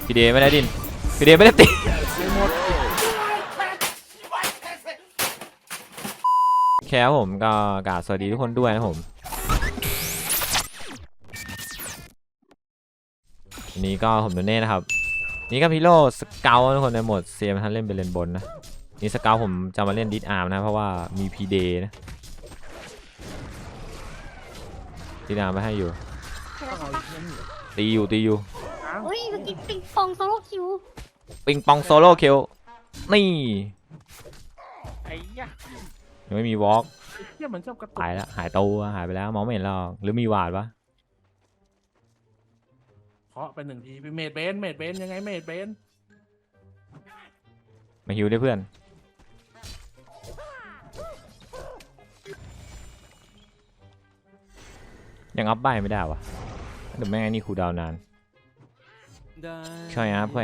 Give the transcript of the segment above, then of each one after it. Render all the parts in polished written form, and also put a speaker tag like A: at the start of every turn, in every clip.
A: พี่เดไม่ได้ดินพี่เดไม่ได้ติดแค่ผมก็กราบสวัสดีทุกคนด้วยนะผมวันนี้ก็ผมโดเน่นะครับนี่ก็พิโร่สเกลทุกคนในโหมดเซียมท่านเล่นเป็นเลนบนนะนี่สเกลผมจะมาเล่นดิสอาร์มนะเพราะว่ามีพีเดนะดิสอาร์มไม่ให้อยู่ตีอยู่
B: เฮ้ยเมื่อกี้ปิงปองโซโล่คิว
A: ปิงปองโซโล่คิวนี่
C: ไอ้ยะ
A: ยังไม่มีวอล์ก
C: เที่ยมันชอบกระตุก
A: หายแล้วหายตัวหายไปแล้วมองไม่เห็นหรอกหรือมีวาดปะ
C: เคาะไปหนึ่งทีเป็นเมดเบนยังไงเมดเบน
A: มาฮิวได้เพื่อนยังอัพใบไม่ได้วะเดี๋ยวแม่งไอ้นี่คูลดาวน์นานค่อยอัพ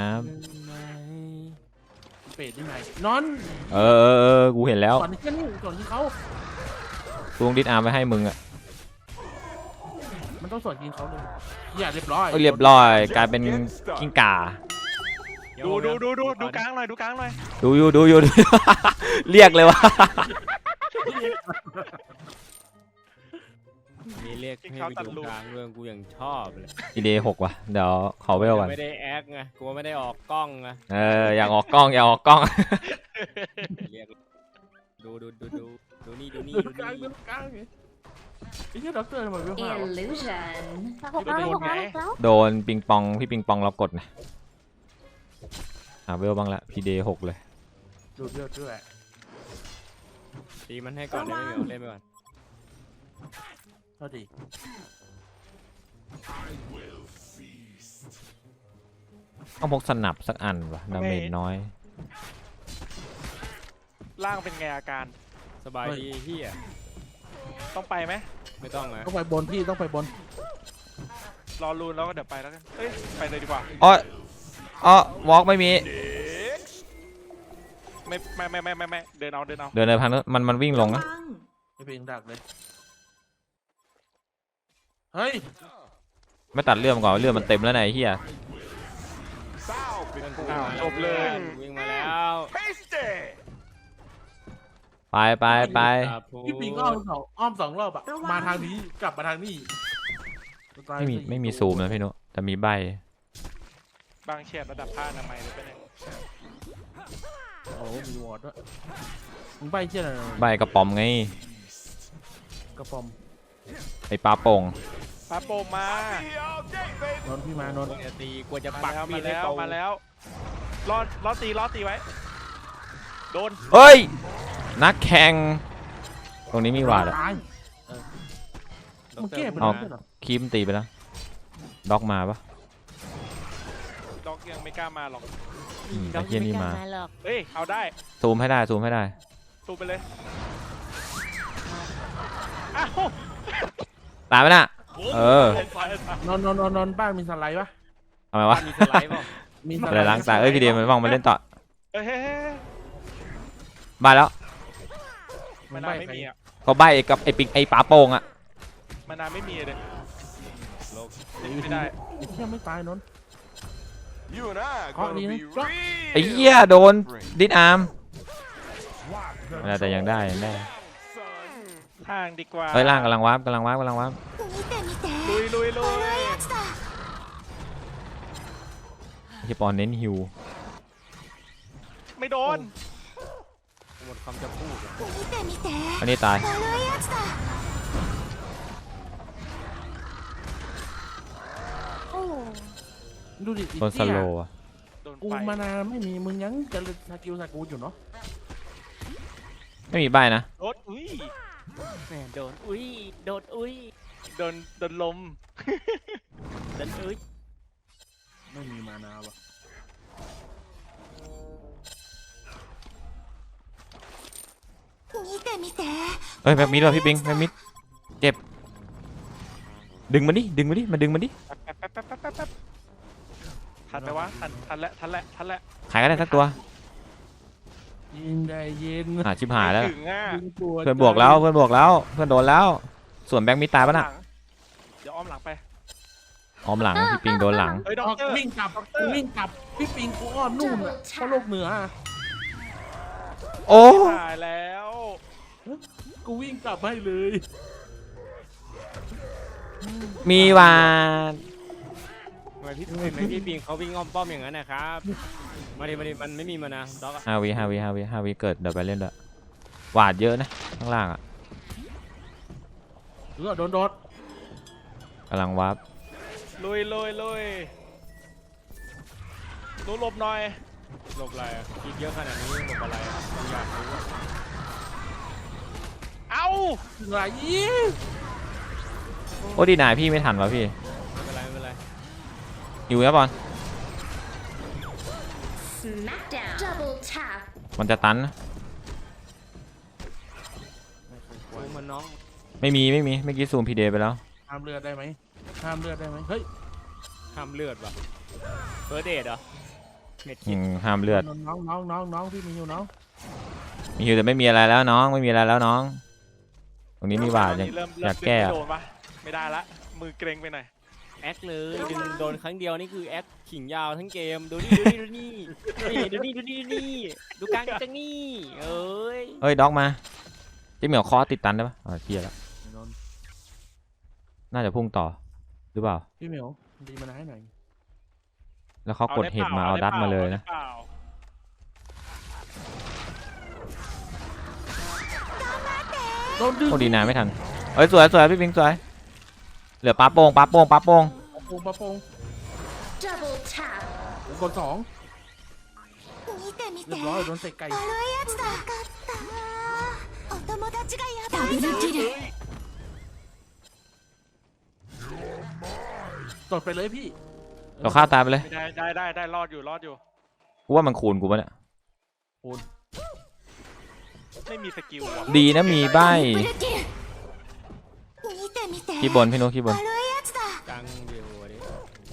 C: เปดยังไงนอน
A: กูเห็นแล้ว
C: ก่อนที่เขา
A: กูต้องดิสอาร์มไปให้มึงอะ
C: มันต้องสวนยิงเขาเลยอย่าเรียบร้อย
A: เรียบร้อยกลายเป็นกิ้งก่า
D: ดูกลางหน่อยดูกลางหน่อย
A: ดูอยู่ เรียกเลยวะ
E: มีเรียกให้ไปดูกลางเรื่องกูยังชอบเลย
A: อีเดย์6ว่ะเดี๋ยวขอเวลก่อน
E: ไม่ได้แอคไงกูไม่ได้ออกกล้องไง
A: อยากออกกล้อง
E: เรียกดูนี่
C: ดูกลางไอ้เหี้ยด็อกเตอร์ทำไมไม่มา
B: illusion แล้ว
A: โดนปิงปองพี่ปิงปองเรากดนะเวลบ้างละพีเดย์6เลย
C: ดูเลือดด้วย
E: ตีมันให้ก่อนได้ไหมเล่นไปก่อน
C: เท่าดี
A: ต้องพกสนับสักอันวะดาเมจน้อย
D: ล่างเป็นไงอาการ
E: สบายดีเฮีย
D: ต้องไปไหม
E: ไม่ต้องนะ
C: ต้องไปบนพี่ต้องไปบน
D: รอรูนแล้วก็เดี๋ยวไปแล้วกันเอ้ยไปเลยดีกว่า
A: วอล์กไม่มี
D: ไม่เดินเอา
A: เดินเลยพันมันวิ่งลงนะ
C: ไม่เป็นดักเลยเฮ้ย
A: ไม่ตัดเลือดมันก่อนเลือดมันเต็มแล้วไหนเฮีย
D: จบเลย
E: วิ่งมาแล้ว
A: ไป
C: พี่ปิงอ้อมสองรอบอะมาทางนี้กลับมาทางนี้
A: ไม่มีซูมนะพี่นุแต่มีใบบ
D: างเฉียดระดับผ้าอนามัยเลยไปเนี่ย
C: โอ้มีวอร์ดด้วยมึงใบเชี่ยอะไร
A: ใบกระป๋อมไง
C: กระป๋อม
A: ไอปลาโป่ง
D: ปาโปมมาน
C: นพี่มานน
E: จะตีกลัวจะปักมีดให้
D: แล้ว
E: โต
D: มาแล้วล้อตีไว้โดน
A: เฮ้ยนักแข่งตรงนี้มีวาดอะ
C: ตายมึงแก้เป็น
A: เอา
C: ไรเหรอ
A: คีมตีไปแล้วด็อกมาปะ
D: ด็อกยังไม่กล้ามาหรอก
A: ไอ้เฮียนี่มา
D: เฮ้ยเอาได้
A: ซูมให้ได้
D: ตูไปเลยอ้าว
A: ตายไหมน่ะ
C: นนบ้านมีสไลด์ปะ
A: ทำไมวะ
E: มีสไลด์ป่ะ
C: มีส
A: อะไรล้างตาพี่เดียมันว่างมาเล่นต่อ
D: เฮ้ย
A: บายแล้ว
D: มานานไม่มีอ่ะ
A: เขาใบกับไอปิงไอปลาโป่งอะ
D: มานานไม่มีเลย
C: ไม่ได้ไอ้เชี่ยไม่ตายนน เคาะดีนะ
A: ไอเหี้ยโดนดิสอาร์มแต่ยังได้
D: ทางดีกว่า
A: เฮ้ยล่างกำลังวาร์ป
D: ลุย
A: ที่ปอนเน้นฮิว
D: ไม่โดน
E: หมดคำจะพูด
A: อันนี้ตาย
C: ดูดิ
A: โดนสโลว์อะ
D: โดน
C: กู
D: ไป
C: มานานไม่มีมึงยังจะสกิลสกูอยู่เนาะ
A: ไม่มีใบนะ
D: โดนอุ้ย
E: แหมโดนอุ้ย
D: โดนลม
C: ไม่มีมานาวะ
A: เฮ้ยแม็กมิดว่ะพี่ปิงแม็กมิดเจ็บดึงมันดิมาดึงมันดิ
D: แป๊บทันไหมวะทันแล้ว
A: ขายก็ได้สักตัว
C: ยิงได้เย็น
A: ชิบหายแล้ว
D: ถึงอ่ะ
A: เพื่อนบวกแล้วเพื่อนโดนแล้วส่วนแบงค์มิดตายปะน่ะ
D: เดี๋ยวอ้อมหลังไป
A: อ้อมหลังพี่ปิงโดนหลัง
D: เฮ้ยด็อกเตอร์
F: วิ่งกลับวิ่งกลับพี่ปิงกูอ้อมนู่นอ่ะเข้าโลกเหนืออะ
A: โอ้
D: ตายแล้ว
F: กูวิ่งกลับให้เลย
A: มีวาด
E: ทำไมพี่ปิงเขาวิ่งอ้อมป้อมอย่างนั้นนะครับมาดิมันไม่มีมานะด็อกอะ
A: 5 วิเกิดเดี๋ยวไปเล่นด้วยหวาดเยอะนะข้างล่างอ่ะ
F: โดนโดด
A: กำลังวาร์ป
D: ลุยหนูหลบหน่อย
E: หลบอะไรอะคิดเยอะขนาดนี้หลบอะไรอะผมอยากรู้อะ
D: เอ้า
F: ไหล
A: โอ้ดีนายพี่ไม่ทันวะพี่
E: ไม่เป็นไร
A: อยู่นะบอล
B: Smackdown double tap
A: มันจะตันนะ
E: โอ้ยมันน้อง
A: ไม่มีเมื่อกี้ซูมพีเดไปแล้ว
F: ห้ามเลือดได้ไหมห้ามเลือดได้ไหมเฮ้ย
E: ห้ามเลือดว่ะเฟิร์สเดทเหรอเม็ดคิด
A: ห้ามเลือด
F: น้องพี่มีอยู่น้อง
A: มีอยู่แต่ไม่มีอะไรแล้วน้องไม่มีอะไรแล้วน้อง ตรงนี้มีบาด
D: เริ่ม
A: อยากแก้
D: ไม่
A: อะ
D: โดนปะไม่ได้ละมือเกรงไปหน่อย
E: แอคเลยดึงโดนครั้งเดียวนี่คือแอคขิงยาวทั้งเกมดูนี่ดูกลางจังนี่เอ้ย
A: เอ้ยด็อกมาเจ๊เหมียวคอติดตันได้ปะเพี้ยแล้วน่าจะพุ่งต่อหรือเปล่า
F: พี่เหมียวดีมาให้หน่อย
A: แล้วเขากดเห็ดมาเอาดัดมาเลยนะ
D: อได้ปล่า
F: โดนดึง
A: โอ้ดีนายไม่ทันเอ้ยสวยพี่ปิงสวยเหลือปลาโป่ง
F: ปะโปง
B: double tap
F: กด2เรียบร้อยโดนเตะไก่
B: ダブルキル
F: ตดไปเลยพี่
A: เราฆ่าตายไปเลย
D: ได้รอดอยู่
A: กูว่ามันคูณกูปะเนี่ย
D: ไม่มีสกิลว่ะ
A: ดีนะมีใบ
B: トリプルキル見て見て
A: ขี้บนพี่นุ๊กขี้บน
B: 悪いやつだ
E: กลางเดียวอันนี้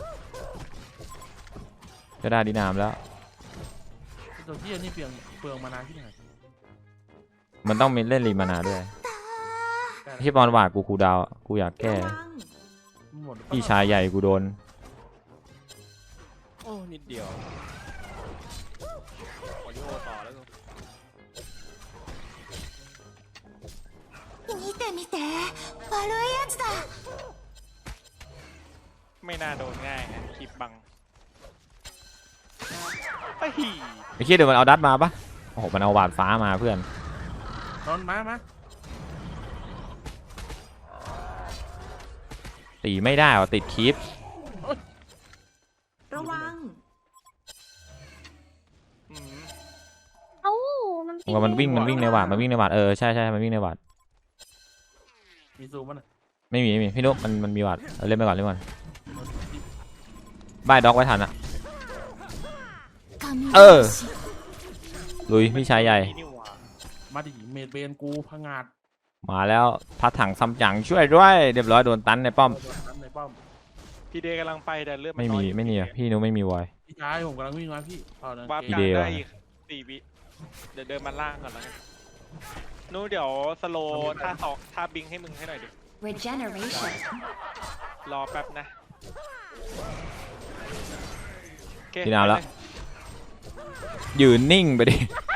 A: จะได้ดีนามแล้ว
F: ตัวที่นี่เปลืองมานานที่ไหน
A: มันต้องมีเล่นรีมานาด้วยที่บอลหวาดกูคูลดาวน์อะกูอยากแก้
F: หมด
A: พี่ชายใหญ่กูโดน
E: โอ้นิดเดียวขอโยต่อแล้วกัน
B: 見て見て悪いやつだ
D: ไม่น่าโดนง่ายนะคลิปบังไอ้หี
A: ไอ้คิดเดี๋ยวมันเอาดัดมาปะโอ้โหมันเอาหวาดฟ้ามาเพื่อน
F: นอนมา
A: ตีไม่ได้ว่ะติดคลิป
B: ระวัง
D: อืม
B: เอ้า
A: ว่ามันวิ่งในหวาดใช่มันวิ่งในหวาด
F: มีซูมมัน
A: ไม่มีพี่นุ๊กมันมีหวาดเล่นไปก่อนใบด็อกไว้ทันอะลุยพี่ชายใหญ่
D: นี่หว่า
F: มาดิเมดเบนกูพังงาด
A: มาแล้วพัดถังซัมจั๋งช่วยด้วยเรียบร้อยโดนตันในป้อม
F: ในป้อม
D: พี่เดย์กำลังไปแต่เลือดน
A: ไม่
D: น้
A: มี
D: อย
A: ไม่มีอะพี่นุ๊กไม่มีวอย
F: พี่ชายผมกำลังวิ่งมาพี่
D: วาร์ป
A: พี่
D: กลาง
A: เดย์
D: ได้
A: ว่ะ
D: อีก4 วิเดี๋ยวเดินมาล่างก่อนแล้วกันนู้เดี๋ยวสโลว์ท่าบิงให้มึงให้หน่อยดิ
B: regeneration
D: รอแป๊บนะโอเค
A: พี่นาวแล้วยืนนิ่งไปดิ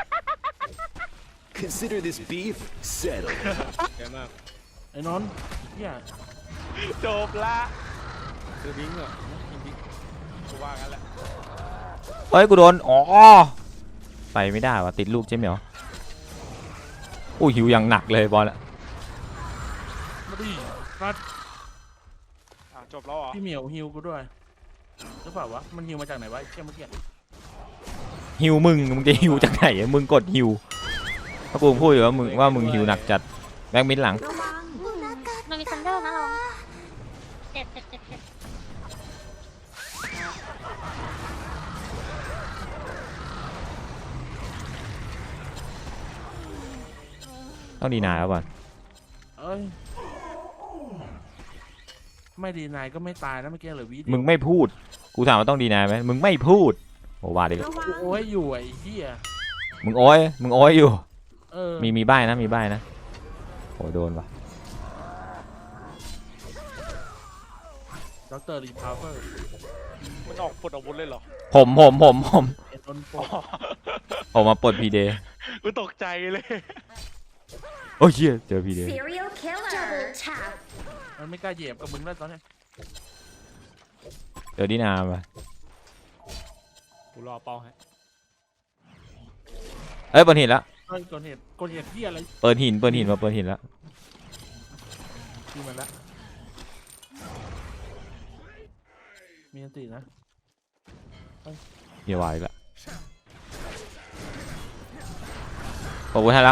G: Consider this beef settled.
E: เยอะมาก
F: ไอ้นนท์เฮีย
D: จบละ
E: คือบิงเหรอ
D: กูว่างั้นแหละ
A: เฮ้ยกูโดนอ๋อไปไม่ได้ว่ะติดลูกเจ๊เหมียวอู้หิวอย่างหนักเลยบอลอะ
F: มาดิรัด
D: จบแล้วเหรอ
F: พี่เหมียวฮิวกูด้วยหรือเปล่าวะมันฮิวมาจากไหนวะเชี่ยเมื่อกี้
A: หิวมึงจะหิวจากไหนอะมึงกดหิวถ้ากูพูดอยู่ว่ามึงหิวหนักจัดแบ็กมิดหลัง
B: ระวังมันมีซันเดอร์นะลองเจ็บ
A: ต้องดีนายแล้วบอล
F: เอ้ยไม่ดีนายก็ไม่ตายนะเมื่อกี้เหลือวิเดียว
A: มึงไม่พูดกูถามว่าต้องดีนายไหมมึงไม่พูดโอ้ว่าดิ
F: กูโอ้ยอยู่ไอ้เหี้ย
A: มึงโอ้ยอยู่
F: เออ
A: มีใบ้นะโอ้โดนว่ะ
F: ด็อกเตอร์รีพาวเวอร์
D: มันออกปลดอาวุธเลยเหรอ
F: เอ็นนนโป
A: ผมมาปลดพีเดย์
D: กูตกใจเลย
A: โอ้ยเหี้ยเจอพีเดย์
B: Serial killer. Double tap.
F: มันไม่กล้าเหยียบกับมึงแล้วตอนเนี้ย
A: เจอดินามา
E: กูรอเป้าให้
A: เอ้ยเปิดหินแล้ว
F: เฮ้ยกดเหตุที่อะไร
A: เปิดหินมาเปิดหินแล้ว
F: ที่มันละมีอันตีนะ
A: เฮียวายอีกแล้วขอบคุณให้แล้ว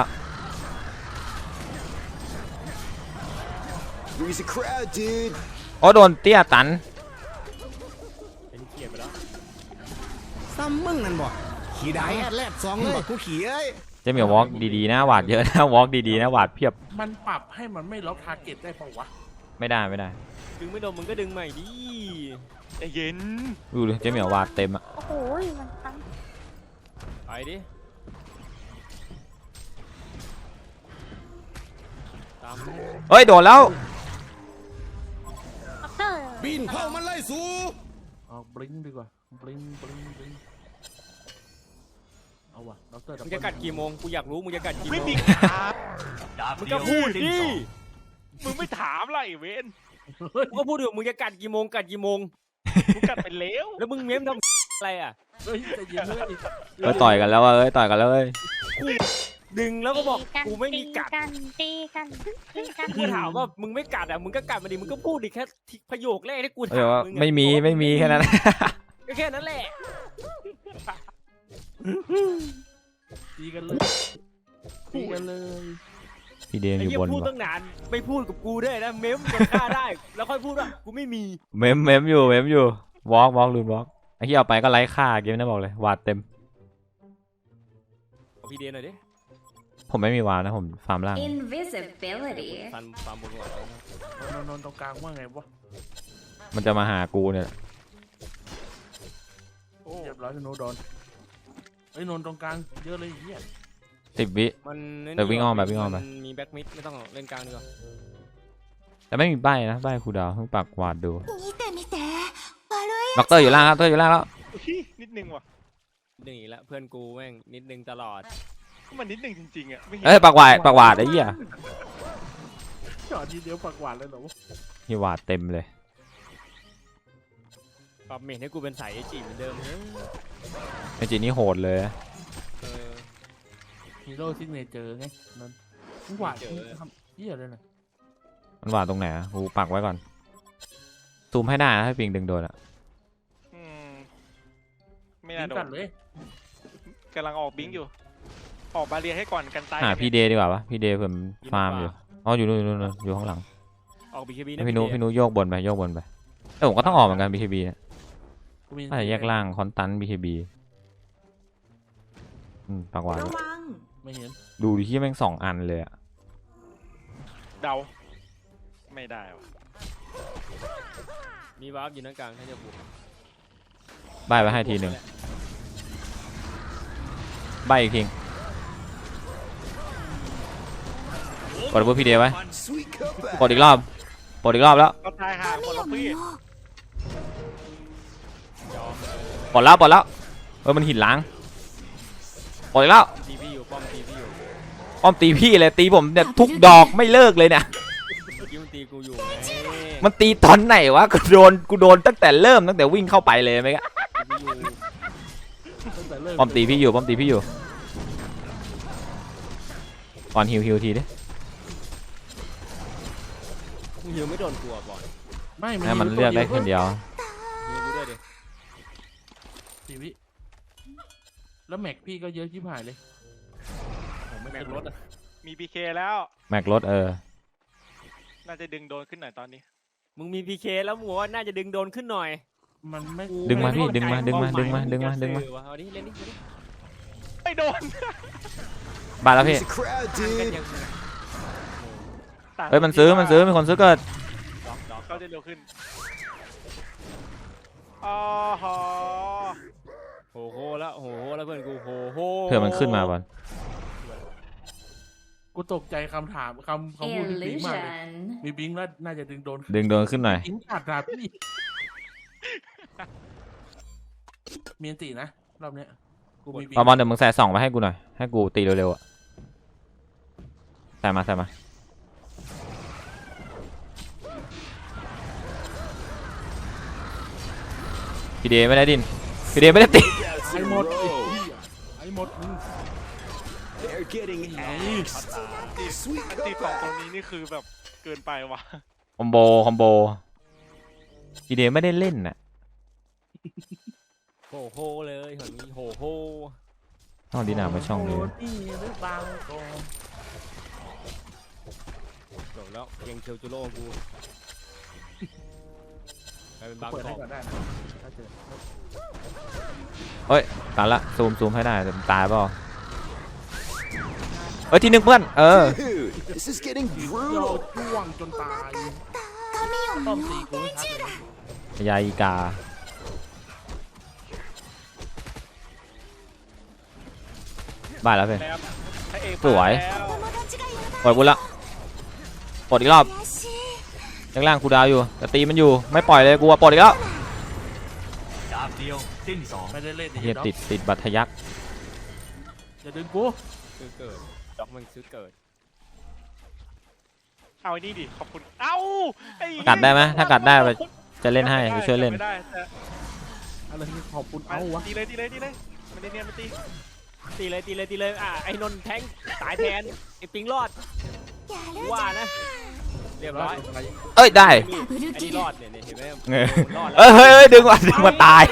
G: Freeze the crowd, dude.
A: โอ้โดนเตี้ยตัน
E: เป็นเกียร์ไปแล้ว
G: ซ้ำมึงนั่นบ่ขี่ได้แลด2เลยกูขี่เอ้ย
A: เจะมีวอล์กดีๆนะหวาดเยอะนะวอล์กดีๆนะหวาดเพียบ
F: มันปรับให้มันไม่ล็อกทาร์เก็ตได้เปล่าวะ
A: ไม่ได้
E: ดึงไม่โดนมึงก็ดึงใหม่ดิ
D: ใจเย็น
A: ดูเลยเจะมีวาดเต็มอะ
B: โอ้โหมันตั้ง
E: ไปดิตามดิ
A: เฮ้ยโดนแล้ว
B: ด็อกเตอร์
G: บินเข้ามันไล่สู
F: เอาบลิงดีกว่าบลิงเอาวะด็อกเตอร์
E: มึงจะกัดกี่โมงกูอยากรู้มึงจะกัดกี่โม
D: ไม่
E: ง
D: มีถาม
E: มึงก็พูดดิ
D: มึงไม่ถามอะไรเวน
E: กูก็พูดอยู่มึงจะกัดกี่โมง
D: กูกัดไปแล้ว
E: แล้วมึงเม้มทำอะไรอ่ะ
F: เฮ้ยใจเย็นเลย
A: เอ้ยต่อยกันแล้วเอ้ยต่อยกันแล้วเอ้ย
E: ดึงแล้วก็บอกกูไม่มีกัด
B: ตีกัน
E: กูถามว่ามึงไม่กัดอ่ะมึงก็กัดมาดิมึงก็พูดดิแค่ประโยคแรกที่กู
A: เอ้ย
E: ถาม
A: ว่า
E: มึงอะ
A: ไม่มีแค่นั้น
E: ก็แค่นั้นแหละ
F: ตีกันเลย
A: พี่เดน
E: ไอ้
A: อยู่
E: เหี้ย
A: บน
E: พูด
A: วะ
E: ตั้งนานไม่พูดกับกูด้วยนะเม้มจนฆ่าได้ แล้วค่อยพูดว่ากูไม่มี
A: เมมอยู่วอล์กลืมวอล์กไอ้ที่เอาไปก็ไร้ค่าเกมนะบอกเลยวาดเต็ม
E: เอาพี่เดนหน่อยดิ
A: ผมไม่มีวาดนะผมฟาร์มล่าง
B: Invisibility.
E: ฟันฟาร์มบนหัวน
F: นตรงกลางว่าไงวะ
A: มันจะมาหากูเนี่ย
F: เรียบร้อยโนโดนเอ้ยนนตรงกลางเยอะเลยเฮีย
A: 10 วิ
E: มัน
A: แต่วิ่งอ้อมไปวิ่งอ้อมไป
E: นมีแบ็กมิดไม่ต้องเล่นกลางดีกว่า
A: แต่ไม่มีใบนะใบครูดาวเพิ่งปักวาดดู
B: 見て悪い
A: ด็อกเตอร์อยู่ล่างครับด็อกเตอร์อยู่ล่างแล้ว
D: นิดนึงว่ะ
E: หนึ่งอีกแล้วเพื่อนกูแม่งนิดนึงตลอด
D: มันนิดนึงจริงๆอ่ะไม่เห็น
A: เอ้ยปักวาดไอ้เหี้ย
F: จอดทีเดียวปักหวานเลยเหรอวะ
A: นี่วาดเต็มเลย
E: ปรับเมทให้กูเป็นสายเอจิเหมือนเดิมเนอะ
A: ไอจีนี่โหดเลย
E: เออ
F: ฮีโร่ซิกเนเจอร์ไงนนมึงหวานทำเฮียเลยนะ
A: มันวาดตรงไหนอะกูปักไว้ก่อนซูมให้ได้นะให้ปิงดึงโดนอะ
D: อืมไม่
F: ยิ
D: น่าง โด
F: กัน
D: น
F: เลย
D: กำลังออกบิงอยู่ ออกบาเรียให้ก่อนกันตาย
A: หาพี่เดย์ดีกว่าปะพี่เดย์ผมฟาร์มอยู่อ๋ออยู่นู่นอยู่ข้างหลัง
E: ออกบีเคบี
A: ให้พี่นุโยกบนไปแต่ผมก็ต้องออกเหมือนกัน BKB เนี่ย
F: กูมี
A: น่าจะแยกล่างคอนตัน BKB ปักวาด
F: ไม่เห็น
A: ดูดิที่แม่ง2 อันเลยอะ
D: เดา ไม่ได้ว่ะ
E: มีวาร์ปอยู่นั่นกลางถ้าจะบุก
A: ใบไปให้ทีหนึ่งใบอีกทีกดพี่เดย์ไว้
G: Sweet comeback.
A: กดอีกรอบแล้ว
D: ก็ตายห่าคนละพี่
A: ปลดแล้วมันหินล้างปลดอีกแล้ว
E: ตีพี่อยู่ป้อมตีพี่อยู่
A: ป้อมตีพี่เลยตีผมเนี่ยทุกดอกไม่เลิกเลยเนี่ย
E: เมื่อกี้มันตีกูอยู่ไง
A: มันตีตอนไหนวะกูโดนตั้งแต่วิ่งเข้าไปเลยไหมกะ
E: ตีพี่อยู่
F: ตั้งแต่เริ่ม
A: ป้อมตีพี่อยู่ก่อนฮิวทีดิ
E: มึงหิวไม่โดนกลัวบอล
F: ไม่
A: ให้มันเลือกได้คนเดียว
E: หิวกูด้วยดิ
F: ชีวิแล้วแม็กพี่ก็เยอะชิบหายเลย
E: ผมไม่แม็กรถอ่ะ
D: มีพีเคแล้ว
A: แม็กรถ
D: น่าจะดึงโดนขึ้นหน่อยตอนนี้
E: มึงมีพีเคแล้วมึงบอกว่าน่าจะดึงโดนขึ้นหน่อย
F: มันไม่
A: ดึงมาพี่ดึงมา
E: เอดิเล่นดิ
D: ไม่โดน
A: บาทแล้วพี่
G: Freeze the crowd,
E: กัน
G: dude.
E: ยัง
A: เฮ้ยมันซื้อมีคนซื้อเกิด
E: ดอก
D: เขาจะเร็วขึ้นอ๋อฮะ
E: โหแล้วเพื่อนกูโห
A: เผื่อมันขึ้นมาบอล
F: กูตกใจคำถามคำพูดที่บิงมากเลย
B: Illusion
F: มีบิงแล้วน่าจะดึงโดน
A: ดึงโดนขึ้นหน่อย
F: บิงขาดดาบพี่เมียนตีนะรอบเนี้ยกูมีบิง
A: ปอบอลเดี๋ยวมึงใส่2มาให้กูหน่อยให้กูตีเร็วๆอ่ะใส่มาพี่เดย์ไม่ได้ดินพี่เดย์ไม่ได้ตี
F: ไอ้หมดไอ้หมดมึง
C: They're getting
D: อันตีสองตรงนี้นี่คือแบบเกินไปว่ะ
A: คอมโบพี่เดย์ไม่ได้เล่นน่ะ
E: โหโหเลยคนนี้โหโห
A: ต้องดีหนามาช่องนี้
F: โนี่หรือเปล่าโก
E: จบแล้วเพียงเชลจูโร่กูกลายเป็นบาง
F: เปิด
E: ก
F: ให้
E: อก
F: ก่อนได้นะถ้าเจอ
A: เฮ้ยตายละซูมให้ได้แต่ตายเปล่าเฮ้ยทีหนึ่งเพื่อน
C: Dude, this is getting
F: เรา
C: brutal.
F: จ้วงจนตายป้อมตีกูไม่ทันเลย
A: ยาอีกาบ้าแล้วเพื่อน
D: แล้วพระเอก
A: สวย
D: มาแล้ว
A: ปล่อยกูละปลดอีกรอบล่างๆกูดาวอยู่แต่ตีมันอยู่ไม่ปล่อยเลยกูปลดอีกแล้ว
F: ไม่ได้เล่น
A: เฮียติดบัตรทะยัก
F: อย่าดึงกู
E: ซื้อเกิดด็อกมันซื้อเกิด
D: เอาไอ้นี่ดิขอบคุณเอ้าไอ้
A: กัดได้ไหมถ้ากัดได้จะเล่นให้กูช่วยเล่น
D: ไม่ได้แต่
F: อะไรที่ขอบคุณ
D: เอา
F: เอาวะ
D: ตีเลยมันได้เนียนมันตี
E: ตีเลยไอ้นนท์แทงตายแทนไอ้ปิงรอดว่านะเรียบร้อย
A: เอ้ยได้
E: ไอ้นี่รอดเนี่ยเห็นไหม
A: เงย
E: รอดแล้ว
A: เฮ้ยดึงมาตาย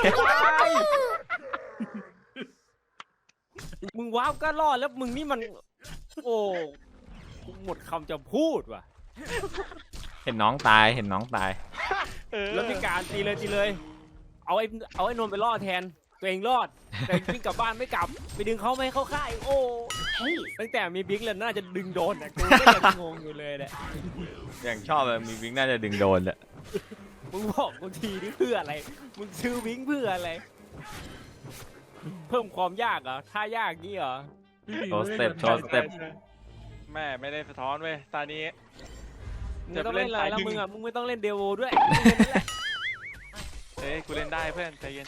E: มึงว้าวก็รอดแล้วมึงนี่มันโอ้หมดคำจะพูดว่ะ
A: เห็นน้องตาย
D: เออ
E: แล้วมีการตีเลยเอาไอ้นนท์ไปรอดแทนตัวเองรอดแต่วิ่งกลับบ้านไม่กลับไปดึงเขาไม่เข้าค่ายโอ้ตั้งแต่มีบิ๊กเลยน่าจะดึงโดนแต่กูก็ยังงงอยู่เลยแหละ
A: อย่างชอบเลยมีวิงน่าจะดึงโดนแหละ
E: มึงบอกกูทีนี่เพื่ออะไรมึงซื้อบิ๊กเพื่ออะไรเพิ่มความยากเหรอท่ายากงี้เหรอ
A: โชว์สเต็ป
D: แม่ไม่ได้สะท้อนเว้ยตานี้
E: มึงไม่ต้องเล่นอะไรแล้วมึงอ่ะมึงไม่ต้องเล่นเดโวด้วย
D: เฮ้ยกูเล่นได้เพื่อนใจเย็น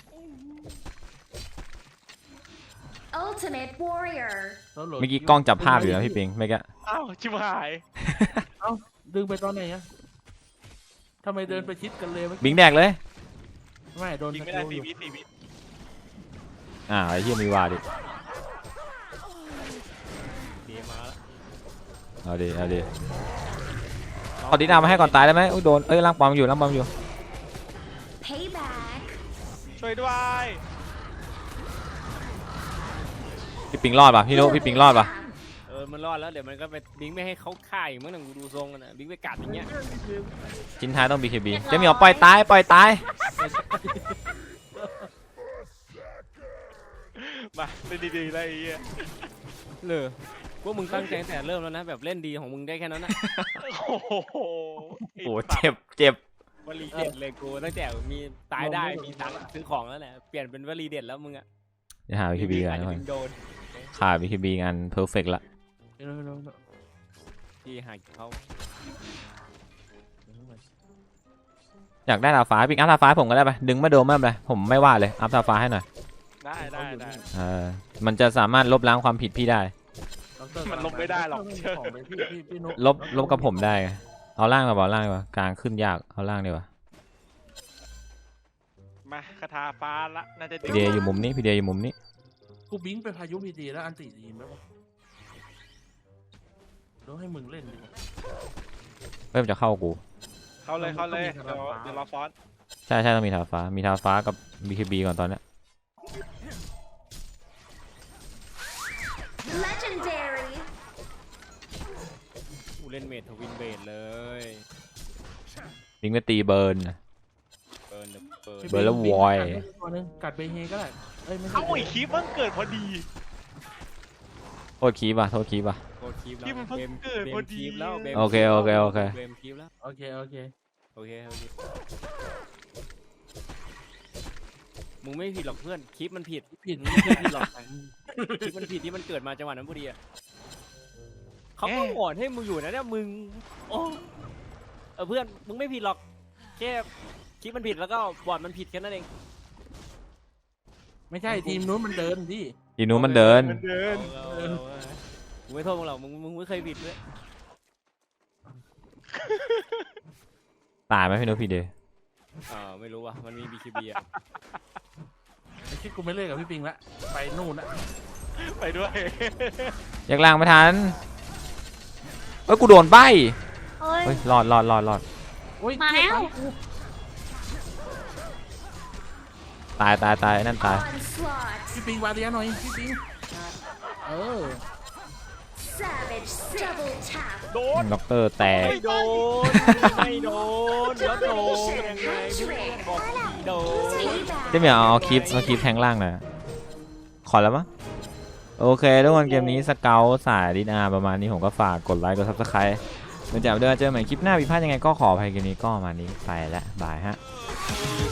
B: Ultimate Warrior
A: เมื่อกี้กล้องจับภาพอยู่นะพี่ปิงเมื่อกี้
D: อ้าวชิบหาย
F: เอ้าดึงไปตอนไหนอะทำไมเดินไปชิดกันเลย
A: บิงแดกเลย
F: ไม่โดน
D: ยิง
F: ตะ
D: ไม่
F: โก
D: ได้
F: นอยู่
D: 4 วิ
A: ไอ้เหี้ยมีวาดิ
E: ดีมาแล้ว
A: เอาดิขอดีนามาให้ก่อนตายได้ไหมอุ้ยโดนล่างปอมอยู่
B: Payback
D: ช่วยด้วย
A: พี่ปิงรอดป่ะพี่นุพี่ปิงรอดป่ะ
E: มันรอดแล้วเดี๋ยวมันก็ไปบิ๊กไม่ให้เขาฆ่าอีกมั้งหนังกูดูทรงกันนะบิ๊กไปกัดอย่างเงี้ย
A: ชิ้นท้ายต้อง BKB เจะมีเอาปล่อยตาย
D: มาเล่นดีๆเลยไอ้เหี้ย
E: เลยพวกมึงตั้งใจตั้งแต่เริ่มแล้วนะแบบเล่นดีของมึงได้แค่นั้นนะ
D: โอ้โห
A: โอ้เจ็บ
E: วลีเด็ดเลยกูตั้งแต่มีตายได้มีตังค์ซื้อของแล้วแหละเปลี่ยนเป็นวลีเด็ดแล้วมึงอะ
A: จะหา BKB กัน
E: อาจ
A: ทุ
E: จะ
A: กคน
E: ถึงโดน
A: ขาด BKB งาน perfect ละ
F: เร็ว
E: ที่หายเขา
A: อยากได้ดาวฟ้าปิงอัพดาวฟ้าผมก็ได้ปะดึงมาโดนไม่เป็นไรผมไม่ว่าเลยอัพดาวฟ้าให้หน่อย
D: ได้
A: มันจะสามารถลบล้างความผิดพี่ได้
D: มันลบไม่ได้หรอก
F: ของไปพี่นุ๊ก
A: ลบกับผมได้ไงเอาล่างดีกว่า กลางขึ้นยากเอาล่างดีกว่า
D: มาคาถาฟ้าละน่าจะ
A: พี่เดย์อยู่มุมนี้
F: กูบิงไปพายุพีดีแล้วอันติดีไหมวะต้องให้มึงเล่นดีกว่า
A: เริ่มจะเข้ากู
D: เข้าเลยเดี๋ยวรอฟอน
A: ใช่ต้องมีทาฟ้ากับ BKB ก่อนตอนเนี้ย
B: Legendary
E: กูเล่นเมททวินเบดเลย
A: บิงไปตีเบิร์น
E: เบิร์น
A: เบิร์นแล้ววอย
F: ตัวนึงกัดเบเฮก็ได้เอ้ยไม่ใช่
D: เอ้าไอ้คลิปมันเกิดพอดี
A: โทษคีบอ่ะ
E: โคคีบแล้ว
D: ที่มันเพิ่งเกิดพอดี
E: แล้ว
A: โอเค
E: เบมคีบแล้ว
F: โอเค
E: โอเคมึงไม่ผิดหรอกเพื่อนคลิปมันผิด
F: ผิด
E: มึงไม่เคยผิดหรอกคลิปมันผิดที่มันเกิดมาจังหวะนั้นพอดีอะเขาก็โหวตให้มึงอยู่นะเนี่ยมึงโอ้เพื่อนมึงไม่ผิดหรอกแค่คลิปมันผิดแล้วก็บอร์ดมันผิดแค่นั้นเอง
F: ไม่ใช่ทีมนู้นมันเดินพี่
A: ทีนู้นมันเดิน
E: มึงไม่โทษมึงหรอกมึงไม่เคยผิดเลย
A: ตายไหมพี่นุ๊กพี่เดย์
E: ไม่รู้ว่ะมันมี BKB อ่ะ
F: ไอ้คิดกูไม่เล่นกับพี่ปิงละไปนู่นละ
D: ไปด้วย
A: แยกล่างไม่ทันเอ้ยกูโดนใบ
B: เอ้ย
A: เฮ้ยรอด
F: โอ้ย
B: มาแล้ว
A: ตายนั่นตาย
F: พี่ปิงวาเดียหน่อยพี่ปิงเออ
D: โดน
A: ด็อกเตอร์แตก
E: ไม่โดนแล้วโดนยังไงบอกโดน
A: เจ๊เหมียวเอาคลิปแทงล่างหน่อยขอแล้วมั้งโอเคทุกคนเกมนี้สเกลสายดินาประมาณนี้ผมก็ฝากกดไลค์กดซับสไครต์เมื่อจากเดิมเจอใหม่คลิปหน้าผิดพลาดยังไงก็ขออภัยเกมนี้ก็ประมาณนี้ไปแล้วบายฮะ